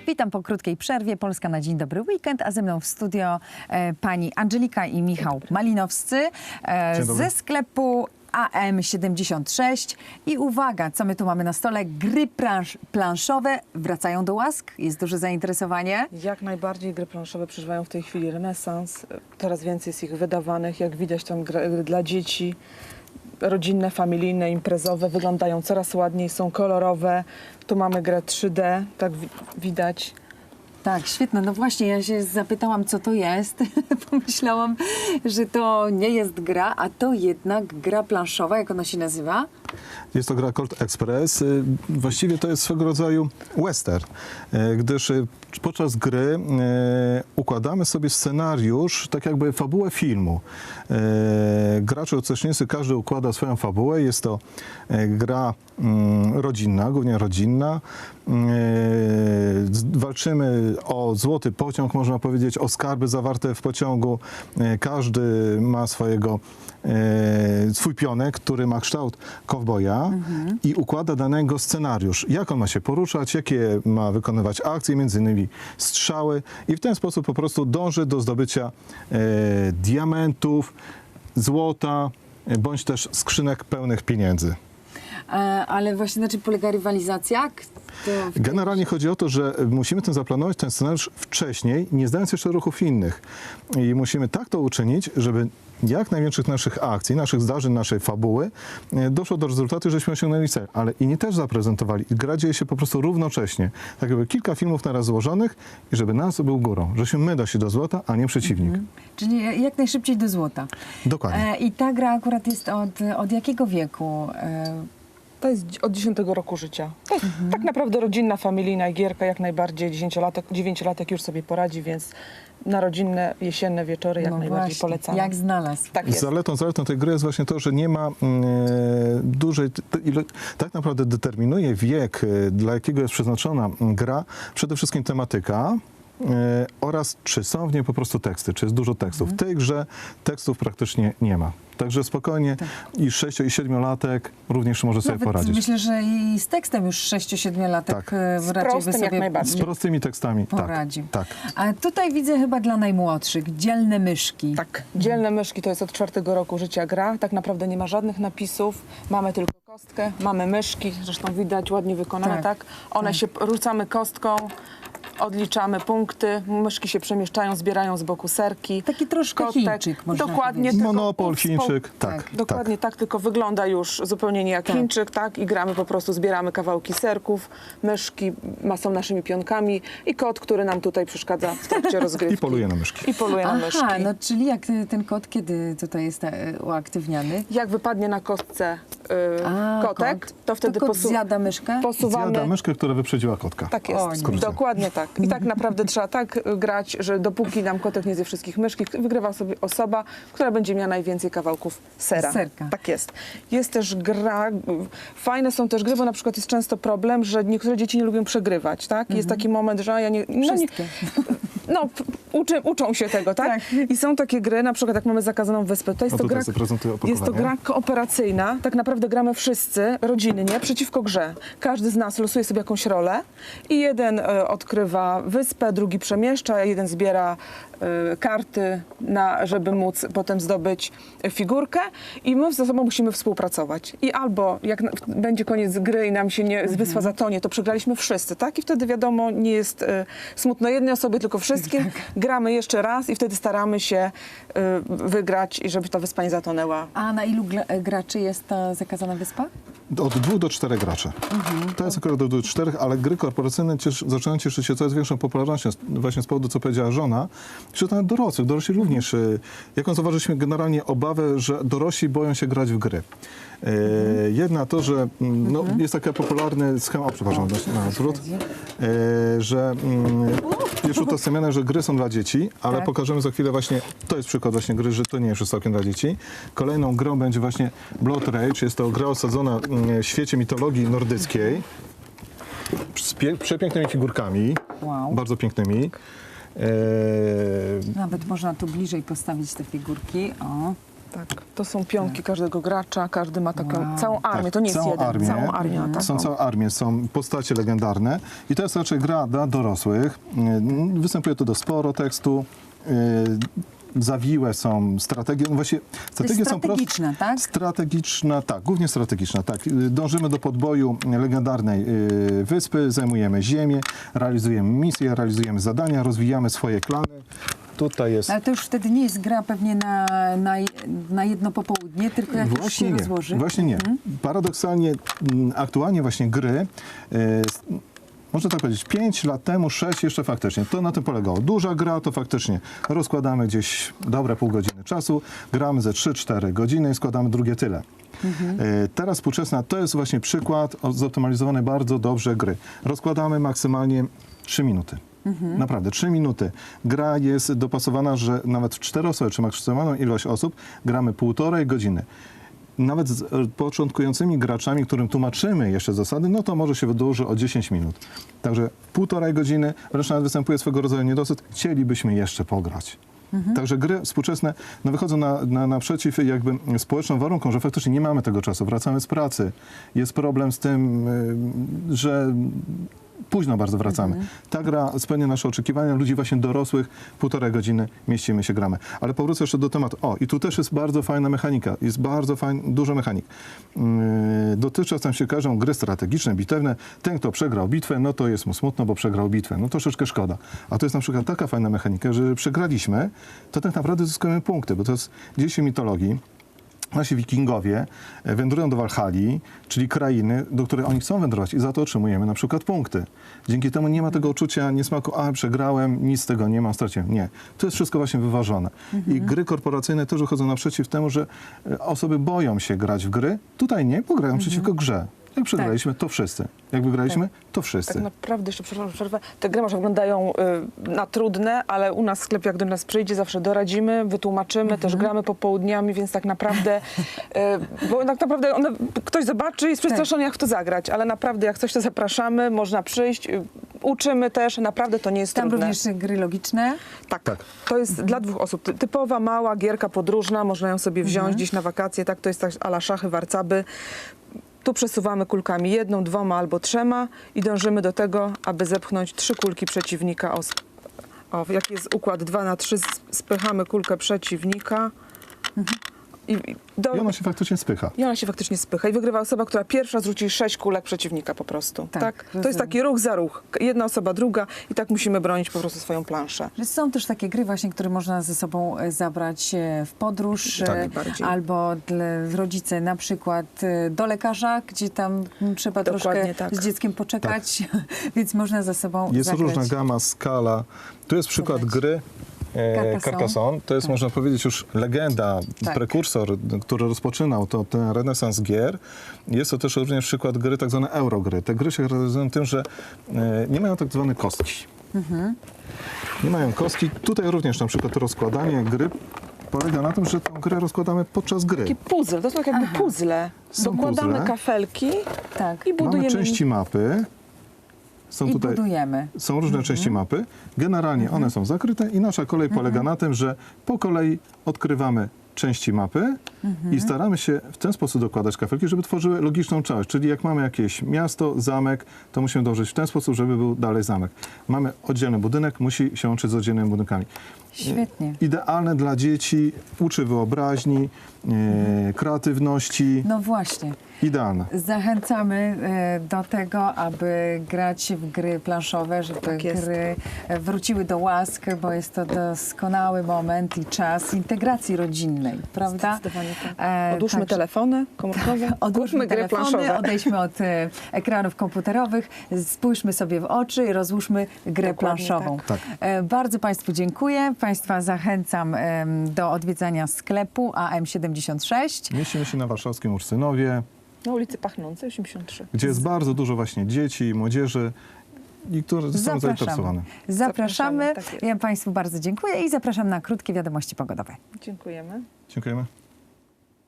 Witam po krótkiej przerwie. Polska na Dzień Dobry Weekend, a ze mną w studio pani Angelika i Michał Malinowscy ze sklepu AM76. I uwaga, co my tu mamy na stole? Gry planszowe wracają do łask. Jest duże zainteresowanie. Jak najbardziej gry planszowe przeżywają w tej chwili renesans. Coraz więcej jest ich wydawanych. Jak widać, tam gry dla dzieci, rodzinne, familijne, imprezowe wyglądają coraz ładniej, są kolorowe. Tu mamy grę 3D, tak widać. Tak, świetne. No właśnie, ja się zapytałam, co to jest. Pomyślałam, że to nie jest gra, a to jednak gra planszowa. Jak ona się nazywa? Jest to gra Colt Express. Właściwie to jest swego rodzaju western, gdyż podczas gry układamy sobie scenariusz, tak jakby fabułę filmu. Gracze, uczestnicy, każdy układa swoją fabułę. Jest to gra rodzinna, głównie rodzinna. Walczymy o złoty pociąg, można powiedzieć, o skarby zawarte w pociągu. Każdy ma swój pionek, który ma kształt kowboja i układa danego scenariusz. Jak on ma się poruszać, jakie ma wykonywać akcje, między innymi strzały, i w ten sposób po prostu dąży do zdobycia diamentów, złota, bądź też skrzynek pełnych pieniędzy. Ale właśnie na czym polega rywalizacja? Generalnie chodzi o to, że musimy zaplanować ten scenariusz wcześniej, nie zdając jeszcze ruchów innych. I musimy tak to uczynić, żeby jak największych naszych akcji, naszych zdarzeń, naszej fabuły doszło do rezultatu, żeśmy osiągnęli cel. Ale inni też zaprezentowali. Gra dzieje się po prostu równocześnie. Tak jakby kilka filmów naraz złożonych i żeby nas był górą. Żeśmy my doszli do złota, a nie przeciwnik. Czyli jak najszybciej do złota. Dokładnie. I ta gra akurat jest od jakiego wieku? To jest od 10 roku życia. To jest tak naprawdę rodzinna, familijna gierka, jak najbardziej 9-latek już sobie poradzi, więc na rodzinne, jesienne wieczory jak najbardziej właśnie, polecam. jak znalazł. Tak jest. Zaletą tej gry jest właśnie to, że nie ma dużej, tak naprawdę determinuje wiek, dla jakiego jest przeznaczona gra, przede wszystkim tematyka. Oraz czy są w niej po prostu teksty, czy jest dużo tekstów. W tej grze tekstów praktycznie nie ma. Także spokojnie i 6- i 7-latek również może sobie poradzić. Myślę, że i z tekstem już 6-7-latek Tak. raczej by prostym jak sobie najbardziej. Z prostymi tekstami. poradził. Tak. A tutaj widzę chyba dla najmłodszych dzielne myszki. Tak, dzielne myszki to jest od 4 roku życia gra. Tak naprawdę nie ma żadnych napisów, mamy tylko kostkę, mamy myszki, zresztą widać, ładnie wykonane, tak? One się rzucamy kostką, odliczamy punkty, myszki się przemieszczają, zbierają z boku serki. Taki troszkę Chińczyk, można Dokładnie. powiedzieć. tylko Monopol, Chińczyk. Tak. Dokładnie tak, tylko wygląda już zupełnie nie jak Chińczyk, tak? I gramy po prostu, zbieramy kawałki serków, myszki są naszymi pionkami i kot, który nam tutaj przeszkadza w trakcie rozgrywki. I poluje na myszki. I poluje na myszki. Aha, no czyli jak ten kod, kiedy tutaj jest uaktywniany? Jak wypadnie na kostce kotek, to wtedy kot zjada myszkę? posuwamy. Zjada myszkę, która wyprzedziła kotka. Tak jest, dokładnie tak. I tak naprawdę trzeba tak grać, że dopóki nam kotek nie zje wszystkich myszki, wygrywa sobie osoba, która będzie miała najwięcej kawałków sera. Serka. Tak jest. Jest też gra, fajne są też gry, bo na przykład jest często problem, że niektóre dzieci nie lubią przegrywać, tak? Jest taki moment, że ja nie... Uczą się tego, tak? I są takie gry, na przykład jak mamy Zakazaną Wyspę, to jest, to gra kooperacyjna, tak naprawdę gramy wszyscy rodzinnie przeciwko grze. Każdy z nas losuje sobie jakąś rolę i jeden odkrywa wyspę, drugi przemieszcza, jeden zbiera karty, żeby móc potem zdobyć figurkę i my ze sobą musimy współpracować. I albo jak będzie koniec gry i nam się wyspa zatonie, to przegraliśmy wszyscy, tak? I wtedy wiadomo, nie jest smutno jednej osobie, tylko wszystkim. Gramy jeszcze raz i wtedy staramy się wygrać i żeby ta wyspa nie zatonęła. A na ilu graczy jest ta Zakazana Wyspa? Od 2 do 4 graczy. To jest akurat do 4, ale gry korporacyjne zaczynają cieszyć się coraz większą popularnością właśnie z powodu, co powiedziała żona, że nawet dorośli również. Jaką zauważyliśmy generalnie obawę, że dorośli boją się grać w gry. Jedna to, że jest taki popularny schemat, przepraszam, na zwrót, że jest utożsamiane, że gry są dla dzieci, ale pokażemy za chwilę właśnie, to jest przykład właśnie gry, że to nie jest całkiem dla dzieci. Kolejną grą będzie właśnie Blood Rage, jest to gra osadzona w świecie mitologii nordyckiej, z przepięknymi figurkami, bardzo pięknymi. Nawet można tu bliżej postawić te figurki. O. Tak, to są pionki każdego gracza, każdy ma taką całą armię, to nie jest jeden, całą armię. Są całe armie, są postacie legendarne i to jest raczej gra dla dorosłych. Występuje tu sporo tekstu. Zawiłe są strategie, no właśnie strategie są strategiczna, tak? Strategiczna, tak, głównie strategiczna, tak. Dążymy do podboju legendarnej wyspy, zajmujemy ziemię, realizujemy misje, realizujemy zadania, rozwijamy swoje klany. Tutaj jest... Ale to już wtedy nie jest gra pewnie na jedno popołudnie, tylko jak już się rozłoży. Właśnie nie. Paradoksalnie aktualnie właśnie gry można tak powiedzieć, 5 lat temu, 6 jeszcze faktycznie. To na tym polegało. Duża gra to faktycznie rozkładamy gdzieś dobre pół godziny czasu, gramy ze 3-4 godziny i składamy drugie tyle. Teraz współczesna to jest właśnie przykład zoptymalizowanej bardzo dobrze gry. Rozkładamy maksymalnie 3 minuty. Naprawdę, 3 minuty. Gra jest dopasowana, że nawet w 4 osoby, czy maksymalną ilość osób, gramy 1,5 godziny. Nawet z początkującymi graczami, którym tłumaczymy jeszcze zasady, no to może się wydłuży o 10 minut. Także 1,5 godziny, wręcz nawet występuje swego rodzaju niedosyt, chcielibyśmy jeszcze pograć. Także gry współczesne no wychodzą naprzeciw jakby społecznym warunkom, że faktycznie nie mamy tego czasu, wracamy z pracy. Jest problem z tym, że późno bardzo wracamy. Ta gra spełnia nasze oczekiwania, ludzi właśnie dorosłych, 1,5 godziny mieścimy się, gramy. Ale powrócę jeszcze do tematu. O, i tu też jest bardzo fajna mechanika. Jest bardzo dużo mechanik. Dotychczas tam się każą gry strategiczne, bitewne. Ten, kto przegrał bitwę, no to jest mu smutno, bo przegrał bitwę. No troszeczkę szkoda. A to jest na przykład taka fajna mechanika, że przegraliśmy, to tak naprawdę zyskujemy punkty, bo to jest dzieci mitologii. Nasi wikingowie wędrują do Walhalli, czyli krainy, do której oni chcą wędrować i za to otrzymujemy na przykład punkty. Dzięki temu nie ma tego uczucia niesmaku, a przegrałem, nic z tego nie mam, straciłem. Nie. To jest wszystko właśnie wyważone. I gry korporacyjne też wychodzą naprzeciw temu, że osoby boją się grać w gry. Tutaj nie, bo grają przeciwko grze. Jak przegraliśmy, to wszyscy. Jak wygraliśmy, to wszyscy. Tak naprawdę, jeszcze przerwę, te gry może wyglądają na trudne, ale u nas w sklepie, jak do nas przyjdzie, zawsze doradzimy, wytłumaczymy, też gramy popołudniami, więc tak naprawdę, bo tak naprawdę ktoś zobaczy i jest przestraszony, jak w to zagrać, ale naprawdę jak coś, to zapraszamy, można przyjść, uczymy też, naprawdę to nie jest Tam trudne. również gry logiczne? Tak. To jest dla 2 osób. Typowa, mała gierka podróżna, można ją sobie wziąć gdzieś na wakacje, tak, to jest tak a la szachy, warcaby. Tu przesuwamy kulkami 1, 2 albo 3 i dążymy do tego, aby zepchnąć 3 kulki przeciwnika. Jaki jest układ 2×3, spychamy kulkę przeciwnika. I ona się faktycznie spycha. I wygrywa osoba, która pierwsza zrzuci 6 kulek przeciwnika po prostu. Tak? To jest taki ruch za ruch. Jedna osoba, druga i tak musimy bronić po prostu swoją planszę. Są też takie gry właśnie, które można ze sobą zabrać w podróż albo rodzice na przykład do lekarza, gdzie tam trzeba troszkę z dzieckiem poczekać, więc można ze sobą jest zagrać. różna gama, skala. Tu jest przykład gry Carcassonne. To jest, można powiedzieć, już legenda, prekursor, który rozpoczynał ten renesans gier. Jest to też również przykład gry, tak zwane eurogry. Te gry się charakteryzują tym, że nie mają tak zwane kostki. Nie mają kostki. Tutaj również na przykład rozkładanie gry polega na tym, że tę grę rozkładamy podczas gry. Taki puzzle, to są tak jakby puzzle. Dokładamy kafelki i budujemy. Mamy części mapy. Są różne części mapy. Generalnie one są zakryte i nasza kolej polega na tym, że po kolei odkrywamy części mapy i staramy się w ten sposób dokładać kafelki, żeby tworzyły logiczną całość. Czyli jak mamy jakieś miasto, zamek, to musimy dążyć w ten sposób, żeby był dalej zamek. Mamy oddzielny budynek, musi się łączyć z oddzielnymi budynkami. Świetnie. Idealne dla dzieci, uczy wyobraźni, kreatywności. No właśnie. Idealne. Zachęcamy do tego, aby grać w gry planszowe, żeby gry wróciły do łask, bo jest to doskonały moment i czas integracji rodzinnej, prawda? Zdecydowanie tak. Odłóżmy telefony komórkowe, odłóżmy gry planszowe. Odejdźmy od ekranów komputerowych, spójrzmy sobie w oczy i rozłóżmy grę planszową. Tak. Bardzo Państwu dziękuję. Państwa zachęcam do odwiedzania sklepu AM76. Mieścimy się na warszawskim Ursynowie. Na ulicy Pachnącej, 83. Gdzie jest bardzo dużo właśnie dzieci, młodzieży, i które są zainteresowane. Zapraszamy. Ja Państwu bardzo dziękuję i zapraszam na krótkie wiadomości pogodowe. Dziękujemy. Dziękujemy.